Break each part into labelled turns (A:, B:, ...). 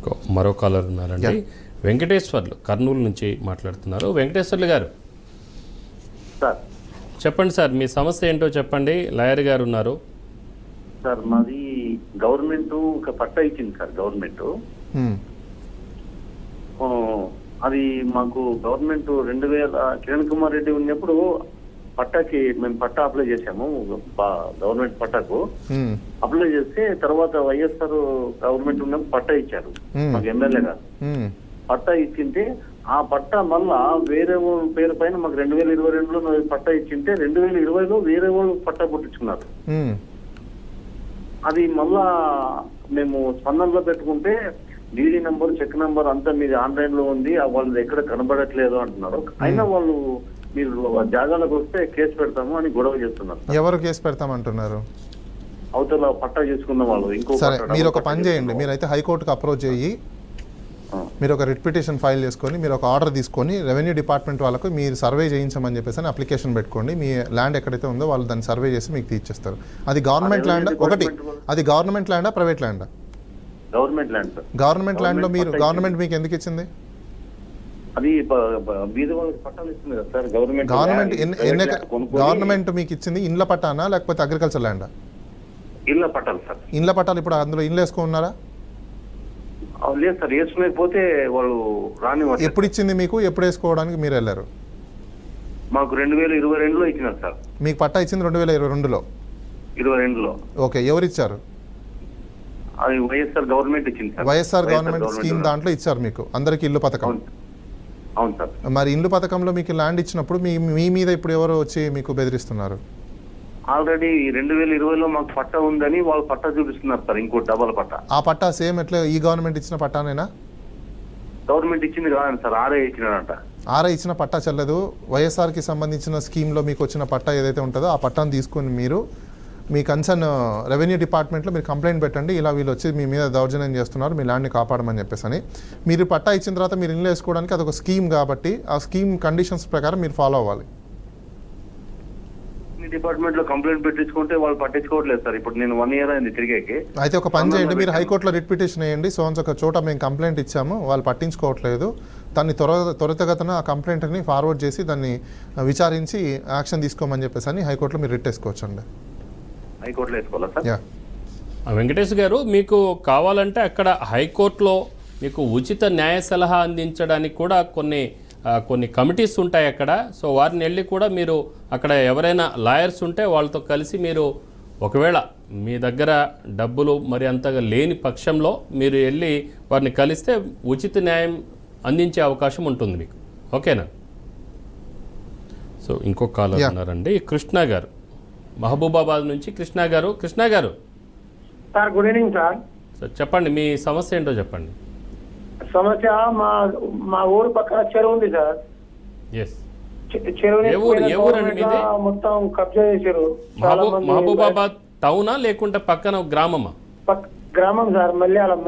A: మరో కాలర్ ఉన్నారండి. వెంకటేశ్వర్లు కర్నూలు నుంచి మాట్లాడుతున్నారు. వెంకటేశ్వర్లు గారు
B: సార్
A: చెప్పండి సార్, మీ సమస్య ఏంటో చెప్పండి. లాయర్ గారు ఉన్నారు.
B: సార్ మాది గవర్నమెంట్ ఒక పట్టా ఇచ్చింది సార్. గవర్నమెంట్ అది మాకు గవర్నమెంట్ 2000 కిరణ్ కుమార్ రెడ్డి ఉన్నప్పుడు పట్టాకి మేము పట్టా అప్లై చేసాము. గవర్నమెంట్ పట్టాకు అప్లై చేస్తే తర్వాత వైఎస్ఆర్ గవర్నమెంట్ ఉన్నప్పుడు పట్టా ఇచ్చారు మాకు ఎమ్మెల్యే గారు. పట్టా ఇచ్చింటే ఆ పట్టా మళ్ళా వేరే వాళ్ళ పేరు పైన మాకు 2022లో పట్టా ఇచ్చింటే 2020లో వేరే వాళ్ళు పట్టా పుట్టించుకున్నారు. అది మళ్ళా మేము స్పందనలో పెట్టుకుంటే డీడీ నంబర్, చెక్ నంబర్ అంతా మీది ఆన్లైన్ లో ఉంది, వాళ్ళు ఎక్కడ కనబడట్లేదు అంటున్నారు. అయినా వాళ్ళు మీరు జాగాలకు వస్తే కేసు పెడతాము అని గొడవ చేస్తున్నారు.
C: ఎవరు కేసు పెడతామంటున్నారు?
B: అవతల పట్టా చేసుకున్న వాళ్ళు. ఇంకో
C: సరే, మీరు ఒక పని చేయండి, మీరైతే హైకోర్టుకు అప్రోచ్ అయ్యి మీరు ఒక రిట్ పిటిషన్ ఫైల్ చేసుకొని మీరు ఒక ఆర్డర్ తీసుకొని రెవెన్యూ డిపార్ట్మెంట్ వాళ్ళకు మీరు సర్వే చేయించమని చెప్పేసి అని అప్లికేషన్ పెట్టుకోండి. మీ ల్యాండ్ ఎక్కడైతే ఉందో వాళ్ళు దాన్ని సర్వే చేసి మీకు తీర్చేస్తారు. అది గవర్నమెంట్ ల్యాండ్ ఒకటి, అది గవర్నమెంట్ ల్యాండా ప్రైవేట్ ల్యాండా?
B: Government land sir.
C: Government land లో మీరు గవర్నమెంట్ మీకు ఎందుకు ఇచ్చింది?
B: అది బీద వాళ్ళకి పట్టాలు ఇస్తుంది కదా సార్ గవర్నమెంట్.
C: గవర్నమెంట్ మీకు ఇచ్చింది ఇండ్ల పట్టానా లేకపోతే అగ్రికల్చర్ ల్యాండా?
B: ఇళ్ళ పట్టాలు సార్.
C: ఇండ్ల పట్టాలు ఇప్పుడు అందులో ఇండ్లు వేసుకున్నారా?
B: లేదు సార్, వేసుకునేకపోతే వాళ్ళు రాని.
C: ఎప్పుడు ఇచ్చింది మీకు? ఎప్పుడు వేసుకోవడానికి మీరు వెళ్ళారు?
B: మాకు 2022లో ఇచ్చినారు సార్.
C: మీకు పట్టా ఇచ్చింది 2022లో?
B: 22లో.
C: ఓకే, ఎవరు ఇచ్చారు?
B: అది వైఎస్ఆర్ గవర్నమెంట్ ఇచ్చింది సార్.
C: వైఎస్ఆర్ గవర్నమెంట్ స్కీమ్ దాంట్లో ఇచ్చారు మీకు అందరికి ఇల్లు పథకం.
B: అవును సార్.
C: మరి ఇల్లు పథకంలో మీకు ల్యాండ్ ఇచ్చినప్పుడు మీ మీద ఇప్పుడు ఎవరు వచ్చి మీకు బెదిరిస్తున్నారు?
B: ఆల్రెడీ 2020లో మాకు పట్టా ఉందని వాళ్ళు పట్టా చూపిస్తున్నారు సార్, ఇంకో డబల్ పట్టా.
C: ఆ పట్టా సేమ్ ఎట్లా ఈ గవర్నమెంట్ ఇచ్చిన పట్టానేనా?
B: గవర్నమెంట్ ఇచ్చింది కాదండి సార్, ఆర్ఐ ఇచ్చినాడంట.
C: ఆర్ఐ ఇచ్చిన పట్టా చెల్లదు. వైఎస్ఆర్కి సంబంధించిన స్కీమ్లో మీకు వచ్చిన పట్టా ఏదైతే ఉంటుందో ఆ పట్టాను తీసుకొని మీరు మీ కన్సర్న్ రెవెన్యూ డిపార్ట్మెంట్లో మీరు కంప్లైంట్ పెట్టండి, ఇలా వీళ్ళు వచ్చి మీ మీద దౌర్జన్యం చేస్తున్నారు, మీ ల్యాండ్ని కాపాడమని చెప్పేసి అని. మీరు పట్టా ఇచ్చిన తర్వాత మీరు ఇల్లు వేసుకోవడానికి అదొక స్కీమ్ కాబట్టి ఆ స్కీమ్ కండిషన్స్ ప్రకారం మీరు ఫాలో అవ్వాలి.
B: డిపార్ట్మెంట్ లో కంప్లైంట్ పెట్టించుకుంటే వాళ్ళు పట్టించుకోవట్లేదు సార్. ఇప్పుడు నేను 1 year అయింది తిరిగేకి.
C: అయితే ఒక పని చేయండి, మీరు హైకోర్టులో రిట్ పిటిషన్ వేయండి. ఒక చోట మేము కంప్లైంట్ ఇచ్చాము, వాళ్ళు పట్టించుకోవట్లేదు, దాన్ని త్వరితగతిన ఆ కంప్లైంట్ని ఫార్వర్డ్ చేసి దాన్ని విచారించి యాక్షన్ తీసుకోమని చెప్పేసి అని హైకోర్టులో మీరు రిట్ వేసుకోవచ్చండి.
B: హైకోర్టులో వేసుకోవాలా సార్?
A: వెంకటేష్ గారు, మీకు కావాలంటే అక్కడ హైకోర్టులో మీకు ఉచిత న్యాయ సలహా అందించడానికి కూడా కొన్ని కమిటీస్ ఉంటాయి అక్కడ. సో వారిని వెళ్ళి కూడా మీరు అక్కడ ఎవరైనా లాయర్స్ ఉంటే వాళ్ళతో కలిసి మీరు ఒకవేళ మీ దగ్గర డబ్బులు మరి అంతగా లేని పక్షంలో మీరు వెళ్ళి వారిని కలిస్తే ఉచిత న్యాయం అందించే అవకాశం ఉంటుంది మీకు. ఓకేనా? సో ఇంకొక కాలర్ ఉన్నారండి, కృష్ణ గారు, మహబూబాబాద్ నుంచి. కృష్ణ గారు
D: sir, good evening sir.
A: Sir చెప్పండి, మీ సమస్య ఏంటో చెప్పండి.
D: సమస్య మా ఊరు పక్కన చెరువు ఉంది సార్. చెరువుని మొత్తం కబ్జా చేశారు.
A: మహబూబాబాద్ టౌనా లేకుంటే పక్కన గ్రామమా?
D: గ్రామం సార్, మల్యాల.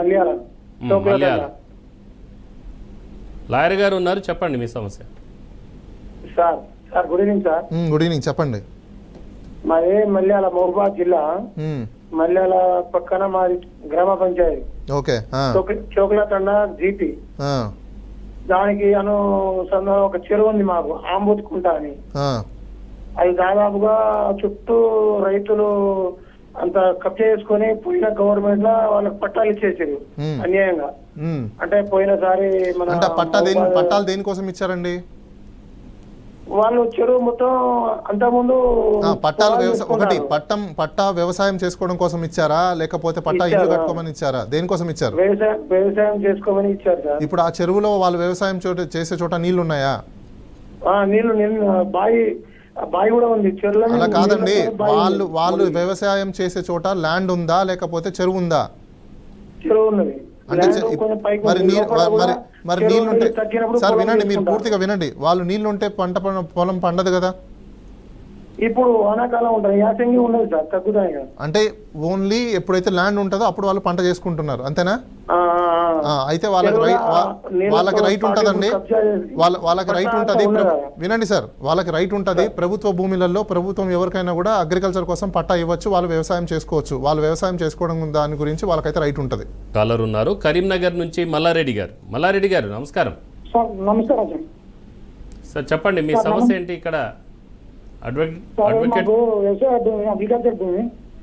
A: లాయర్ గారు ఉన్నారు, చెప్పండి మీ సమస్య.
D: Sir good evening sir.
C: Good evening, చెప్పండి.
D: మాది మల్యాల, మహబూబాద్ జిల్లా. మల్యాల పక్కన మాది గ్రామ పంచాయతీ.
C: ఓకే.
D: చోకుల తండ జీపీ. దానికి అనుసంధానం ఒక చెరువు ఉంది మాకు, ఆంబుతుకుంట అని. అది దాదాపుగా చుట్టూ రైతులు అంత కబ్జా చేసుకుని పోయిన గవర్నమెంట్ లో వాళ్ళకి పట్టాలు ఇచ్చేసారు అన్యాయంగా. అంటే పోయినసారి మన
C: పట్టాలు దేనికోసం ఇచ్చారండి
D: వాళ్ళు? చెరువు మొత్తం అంతకుముందు
C: పట్టాలు పట్టా వ్యవసాయం చేసుకోవడం కోసం ఇచ్చారా లేకపోతే పట్టా ఇల్లు కట్టుకోమని ఇచ్చారా? దేనికోసం ఇచ్చారు?
D: వ్యవసాయం చేసుకోమని ఇచ్చారు సార్.
C: ఇప్పుడు ఆ చెరువులో వాళ్ళు వ్యవసాయం చేసే చోట నీళ్లు ఉన్నాయా?
D: నీళ్లు బావి కూడా ఉంది చెరువులో.
C: అలా కాదండి, వాళ్ళు వ్యవసాయం చేసే చోట ల్యాండ్ ఉందా లేకపోతే చెరువు ఉందా?
D: చెరువు ఉన్నది.
C: అంటే మరి నీళ్లుంటే సార్ వినండి, మీరు పూర్తిగా వినండి, వాళ్ళు నీళ్లుంటే పొలం పండదు కదా.
D: ఇప్పుడు వానాకాలం ఉంటుంది, యాసంగి ఉండదు సార్, తగ్గుతాయి.
C: అంటే ఓన్లీ ఎప్పుడైతే ల్యాండ్ ఉంటుందో అప్పుడు వాళ్ళు పంట చేసుకుంటున్నారు, అంతేనా? అయితే వాళ్ళకి వాళ్ళకి రైట్ ఉంటుందండి. వాళ్ళకి రైట్ ఉంటుంది. వినండి సార్, వాళ్ళకి రైట్ ఉంటుంది. ప్రభుత్వ భూములలో ప్రభుత్వం ఎవరికైనా కూడా అగ్రికల్చర్ కోసం పట్టా ఇవ్వచ్చు, వాళ్ళు వ్యవసాయం చేసుకోవచ్చు. వాళ్ళు వ్యవసాయం చేసుకోవడం దాని గురించి వాళ్ళకైతే రైట్ ఉంటుంది.
A: కాలర్ ఉన్నారు కరీంనగర్ నుంచి మల్లారెడ్డి గారు. మల్లారెడ్డి గారు నమస్కారం.
D: సార్ నమస్కారం సార్.
A: సార్ చెప్పండి మీ సమస్య ఏంటి ఇక్కడ? అడ్వకేట్
D: మాకు వ్యవసాయ భూమి, అగ్రికల్చర్ భూమి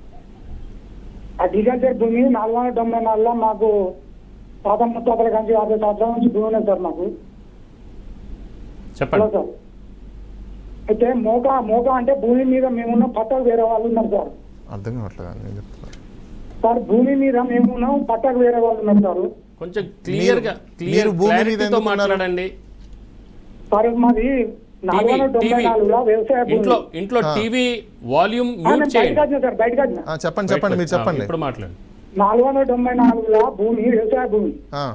D: 474 మాకు తాత ముత్తాతల కంచి 50 సంవత్సరాల నుంచి భూమి ఉన్నది సార్ మాకు.
A: చెప్పండి
D: సార్ అయితే మోకా అంటే భూమి మీద మేమున్న పట్టాకు వేరే వాళ్ళు ఉన్నారు సార్.
C: అర్థం కావట్లేదు
D: సార్ భూమి మీద మేమున్నాం, పట్టాకు వేరే వాళ్ళు ఉన్నారు సార్.
A: కొంచెం క్లియర్తో మాట్లాడండి.
D: సార్ మాది 494 వ్యవసాయ భూమి.
A: ఇంట్లో టీవీ వాల్యూమ్ మ్యూట్ చేయండి.
D: సార్ బయటకు వచ్చిన
C: చెప్పండి మీరు చెప్పండి.
A: ఇప్పుడు మాట్లాడండి.
D: 494 భూమి వ్యవసాయ భూమి.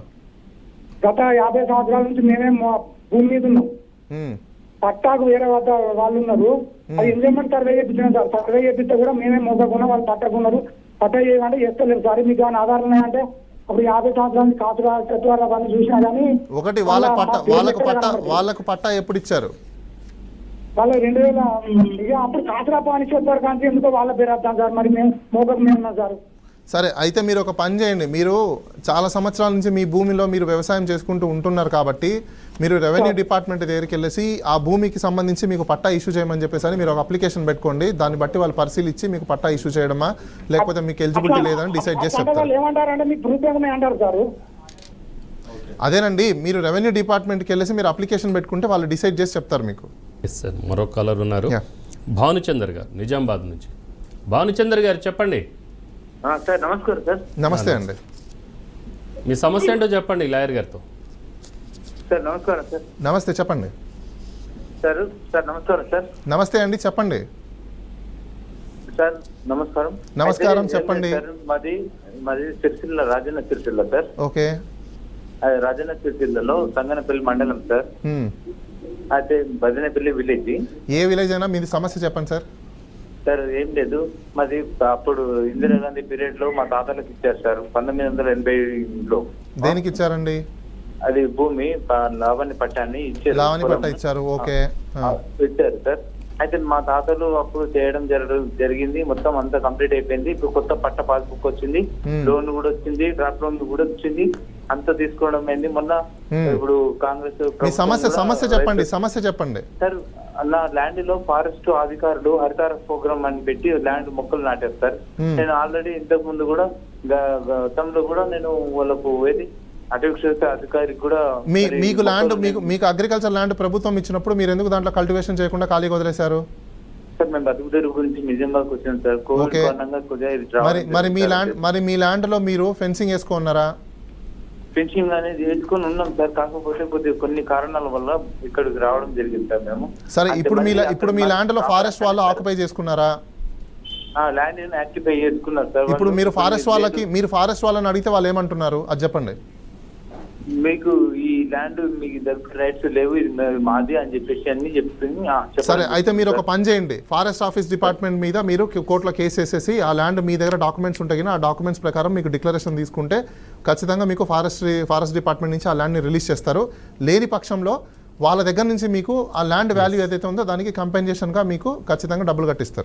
D: గత 50 సంవత్సరాల నుంచి మేమే భూమి మీద ఉన్నాం. పట్టాకు వేరే వాళ్ళు ఉన్నారు. అది ఇంజన్మెంట్ సర్వే చేయించాం సార్. సర్వే చేపిస్తే కూడా మేమే మోసకుండా వాళ్ళు పట్టకున్నారు. పట్టా చేయమంటే చేస్తలేరు సార్. మీకు ఏమైనా ఆధారం ఉన్నాయంటే అప్పుడు 50 సంవత్సరాల నుంచి కాసుగా చెట్టు అవన్నీ చూసినా కానీ
C: ఒకటి వాళ్ళకు పట్టా ఎప్పుడు ఇచ్చారు?
D: వాళ్ళు 2000 అప్పుడు కాసురా పాని చెప్పారు కానీ ఎందుకో వాళ్ళ పేరు వస్తాం సార్. మరి మేము మోకకు మేము ఉన్నాం సార్.
C: సరే అయితే మీరు ఒక పని చేయండి. మీరు చాలా సంవత్సరాల నుంచి మీ భూమిలో మీరు వ్యవసాయం చేసుకుంటూ ఉంటున్నారు కాబట్టి మీరు రెవెన్యూ డిపార్ట్మెంట్ దగ్గరికి వెళ్ళేసి ఆ భూమికి సంబంధించి మీకు పట్టా ఇష్యూ చేయమని చెప్పేసి మీరు ఒక అప్లికేషన్ పెట్టుకోండి. దాన్ని బట్టి వాళ్ళు పరిశీలించి మీకు పట్టా ఇష్యూ చేయడమా లేకపోతే మీకు ఎలిజిబిలిటీ లేదని డిసైడ్ చేసి చెప్తారు.
D: ఏమంటారంటే మీకు ప్రూఫ్ అంటారు సార్.
C: అదేనండి, మీరు రెవెన్యూ డిపార్ట్మెంట్కి వెళ్ళేసి మీరు అప్లికేషన్ పెట్టుకుంటే వాళ్ళు డిసైడ్ చేసి చెప్తారు మీకు.
A: సార్ మరో కాలర్ ఉన్నారు భానుచందర్ గారు నిజామాబాద్ నుంచి. భానుచందర్ గారు చెప్పండి.
B: సార్ నమస్కారం సార్.
C: నమస్తే అండి,
A: మీ సమస్య ఏంటో చెప్పండి లాయర్ గారితో.
B: సార్ నమస్కారం సార్.
C: నమస్తే చెప్పండి.
B: సార్ నమస్కారం సార్.
C: నమస్తే అండి చెప్పండి.
B: సార్ నమస్కారం.
C: నమస్కారం చెప్పండి.
B: మాది సిరిసిల్ల, రాజన్న సిరిసిల్ల సార్.
C: ఓకే.
B: రాజన్న సిరిసిల్లలో సంగనపల్లి మండలం సార్. అయితే భజనపల్లి విలేజ్.
C: ఏ విలేజ్ అయినా మీది సమస్య చెప్పండి సార్.
B: సార్ ఏం లేదు, మాది అప్పుడు ఇందిరాగాంధీ పీరియడ్ లో మా తాతలకు ఇచ్చారు సార్ 1980లో.
C: దేనికి ఇచ్చారండి?
B: అది భూమి లావణ్య పట్టాన్ని ఇచ్చారు.
C: లావణ్య పట్టా ఇచ్చారు. ఓకే
B: ఇచ్చారు సార్. అయితే మా తాతలు అప్పుడు చేయడం జరిగింది. మొత్తం అంతా కంప్లీట్ అయిపోయింది. ఇప్పుడు కొత్త పట్ట పాస్బుక్ వచ్చింది, లోన్ కూడా వచ్చింది, డ్రాప్ లోన్ కూడా వచ్చింది, అంతా తీసుకోవడం అయింది మొన్న. ఇప్పుడు కాంగ్రెస్
C: సమస్య చెప్పండి
B: సార్. నా ల్యాండ్ లో ఫారెస్ట్ అధికారులు హరితార ప్రోగ్రామ్ అని పెట్టి ల్యాండ్ మొక్కలు నాటారు సార్. నేను ఆల్రెడీ ఇంతకు ముందు కూడా గతంలో కూడా నేను వాళ్ళకు అధికారికి కూడా
C: మీకు ల్యాండ్ మీకు అగ్రికల్చర్ ల్యాండ్ ప్రభుత్వం ఇచ్చినప్పుడు మీరు ఎందుకు దాంట్లో కల్టివేషన్ చేయకుండా ఖాళీగా వదిలేశారు?
B: సార్ మేము బతుకుదేరు గురించి నిజంబాకి వచ్చాను సార్.
C: మరి మీ ల్యాండ్ లో మీరు ఫెన్సింగ్ వేసుకున్నారా?
B: ఫెన్సింగ్ అనేది వేసుకొని ఉన్నాం సార్. కాకపోతే కొన్ని కారణాల వల్ల ఇక్కడికి రావడం జరిగింది సార్ మేము.
C: సరే ఇప్పుడు మీ ల్యాండ్ లో ఫారెస్ట్ వాళ్ళు ఆక్యుపై చేసుకున్నారా?
B: ల్యాండ్ యాక్టిఫై చేసుకున్నారు సార్.
C: ఇప్పుడు మీరు ఫారెస్ట్ వాళ్ళని అడిగితే వాళ్ళు ఏమంటున్నారు అది చెప్పండి.
B: మీకు ఈ ల్యాండ్ మీకు దగ్గర రైట్స్ లేవు, ఇది మాది అని చెప్పేసి అన్ని చెప్తుంది.
C: సరే అయితే మీరు ఒక పని చేయండి, ఫారెస్ట్ ఆఫీస్ డిపార్ట్మెంట్ మీద మీరు కోర్టులో కేసు వేసేసి ఆ ల్యాండ్ మీ దగ్గర డాక్యుమెంట్స్ ఉంటాయి, ఆ డాక్యుమెంట్స్ ప్రకారం మీకు డిక్లరేషన్ తీసుకుంటే ఖచ్చితంగా మీకు ఫారెస్ట్ డిపార్ట్మెంట్ నుంచి ఆ ల్యాండ్ని రిలీజ్ చేస్తారు. లేని పక్షంలో వాళ్ళ దగ్గర నుంచి మీకు ఆ ల్యాండ్ వాల్యూ ఏదైతే ఉందో దానికి కంపెన్సేషన్గా మీకు ఖచ్చితంగా డబ్బులు కట్టిస్తారు.